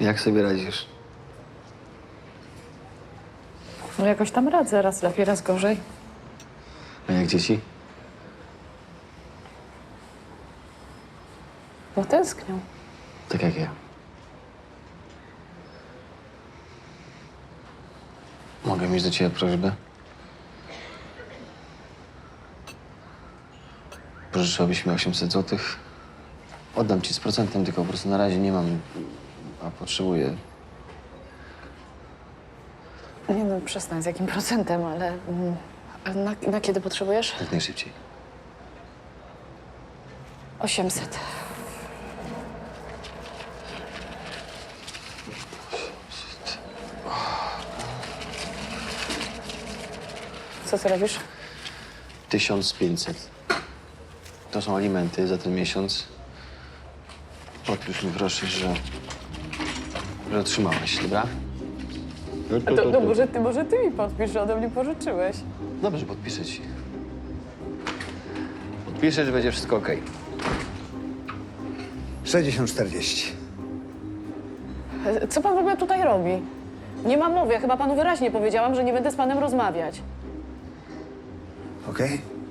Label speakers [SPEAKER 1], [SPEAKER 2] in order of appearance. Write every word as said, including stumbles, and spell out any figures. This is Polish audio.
[SPEAKER 1] Jak sobie radzisz?
[SPEAKER 2] No jakoś tam radzę, raz lepiej, raz gorzej.
[SPEAKER 1] A jak dzieci?
[SPEAKER 2] No tęsknią.
[SPEAKER 1] Tak jak ja. Mogę mieć do ciebie prośbę? Pożyczyłbyś mi osiemset złotych? Oddam ci z procentem, tylko po prostu na razie nie mam, a potrzebuję.
[SPEAKER 2] Nie no, przestań, z jakim procentem, ale... mm, ale na, na kiedy potrzebujesz?
[SPEAKER 1] Jak najszybciej.
[SPEAKER 2] osiemset. Co ty robisz?
[SPEAKER 1] tysiąc pięćset. To są alimenty za ten miesiąc. Podpisz mi proszę, że... że otrzymałaś, dobra?
[SPEAKER 2] A to, no może ty, może ty mi podpisz, że ode mnie pożyczyłeś.
[SPEAKER 1] Dobrze, podpiszę ci. Podpiszę, że będzie wszystko okej.
[SPEAKER 3] sześćdziesiąt czterdzieści.
[SPEAKER 2] E, Co pan w ogóle tutaj robi? Nie ma mowy, ja chyba panu wyraźnie powiedziałam, że nie będę z panem rozmawiać.
[SPEAKER 3] Okej?